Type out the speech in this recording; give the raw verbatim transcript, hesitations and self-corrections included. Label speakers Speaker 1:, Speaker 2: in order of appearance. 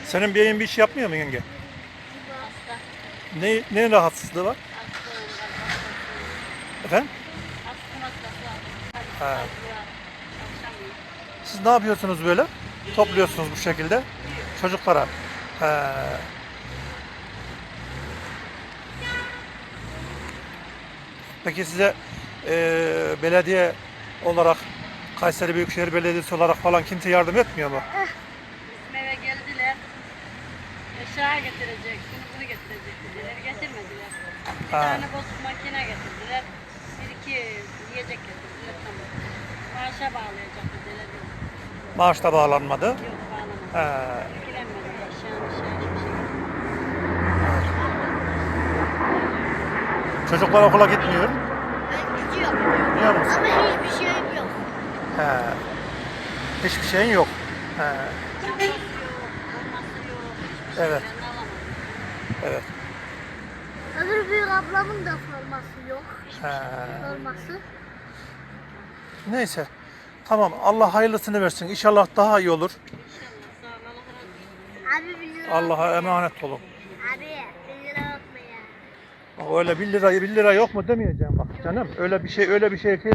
Speaker 1: Senin beyin bir iş yapmıyor mu yenge?
Speaker 2: Hasta.
Speaker 1: Ne, ne rahatsızlığı var?
Speaker 2: Hastayım. Hasta.
Speaker 1: Efendim?
Speaker 2: Hasta hastası var.
Speaker 1: Ha.
Speaker 2: Hasta var. Çalışamıyor.
Speaker 1: Siz ne yapıyorsunuz böyle? Topluyorsunuz bu şekilde çocuklara. He. Peki size eee, belediye olarak, Kayseri Büyükşehir Belediyesi olarak falan kimse yardım etmiyor mu?
Speaker 2: Bizim eve geldiler. Eşya getirecek. Şunu bunu getirecek dediler. Getirmediler. Bir
Speaker 1: Ha.
Speaker 2: tane bozuk makine getirdiler. Bir iki yiyecek getirdiler. Tamam. Maaşa bağlayacak dediler.
Speaker 1: Maaş da bağlanmadı.
Speaker 2: Yok
Speaker 1: He.
Speaker 2: bağlamadı. İlgilenmedi. Eşyanın şey hiçbir şey.
Speaker 1: Çocuklar okula gitmiyor.
Speaker 3: Ben gidiyorum.
Speaker 1: Biliyor musun?
Speaker 3: Ama hiçbir şeyim yok.
Speaker 1: He. Hiçbir şeyin yok. He.
Speaker 2: Çantası yok. Olması yok. Hiçbir
Speaker 1: Evet.
Speaker 2: şeylerini alamadım.
Speaker 1: Evet.
Speaker 3: Öbür büyük ablamın da forması yok.
Speaker 1: He.
Speaker 3: Forması.
Speaker 1: Neyse. Tamam. Allah hayırlısını versin. İnşallah daha iyi olur.
Speaker 2: İnşallah sağ ol. Allah razı olsun.
Speaker 3: Abi bir lira.
Speaker 1: Allah'a emanet olun.
Speaker 3: Abi bir lira yok mu ya?
Speaker 1: Bak öyle bir lira bir lira yok mu demeyeceğim bak canım. Öyle bir şey öyle bir şey